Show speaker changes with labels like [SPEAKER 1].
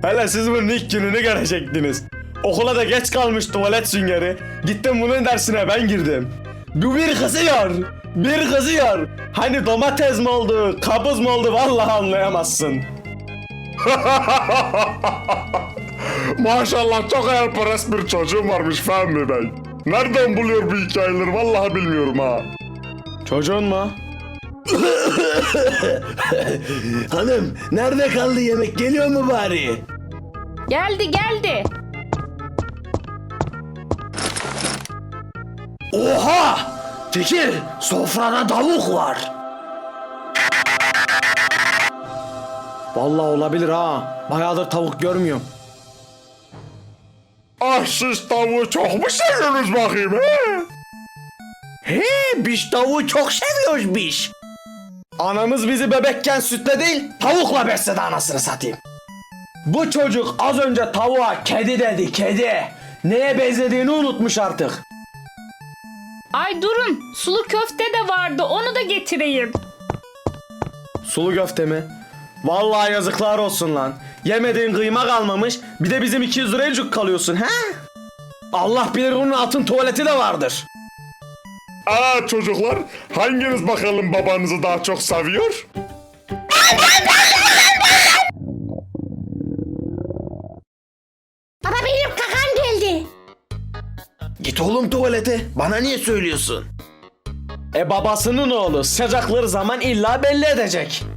[SPEAKER 1] Hele siz bunun ilk gününü görecektiniz. Okula da geç kalmış tuvalet süngeri. Gittim bunun dersine ben girdim. Bu bir kızıyor. Bir kızıyor. Hani domates mi oldu, kabız mı oldu vallahi anlayamazsın.
[SPEAKER 2] Maşallah çok hayalperest bir çocuğum varmış Fehmi Bey. Nereden buluyor bu hikayeleri vallahi bilmiyorum ha.
[SPEAKER 1] Çocuğun mu? Hanım nerede kaldı yemek, geliyor mu bari?
[SPEAKER 3] Geldi geldi.
[SPEAKER 1] Oha! Fikir, sofrada tavuk var. Vallahi olabilir ha. Bayağıdır tavuk görmüyorum.
[SPEAKER 2] Ah siz tavuğu çok mu seviyorsunuz bakayım he?
[SPEAKER 1] He, biz tavuğu çok seviyoruz biz. Anamız bizi bebekken sütle değil, tavukla besledi anasını satayım. Bu çocuk az önce tavuğa kedi dedi, kedi. Neye benzediğini unutmuş artık.
[SPEAKER 3] Ay durun, sulu köfte de vardı, onu da getireyim.
[SPEAKER 1] Sulu köfte mi? Vallahi yazıklar olsun lan. Yemediğin kıyma kalmamış, bir de bizim 200 liraya cuk kalıyorsun he? Allah bilir onun altın tuvaleti de vardır.
[SPEAKER 2] Aa çocuklar hanginiz bakalım babanızı daha çok seviyor?
[SPEAKER 4] Baba benim kakam geldi.
[SPEAKER 1] Git oğlum tuvalete. Bana niye söylüyorsun? Babasının oğlu sıcakları zaman illa belli edecek.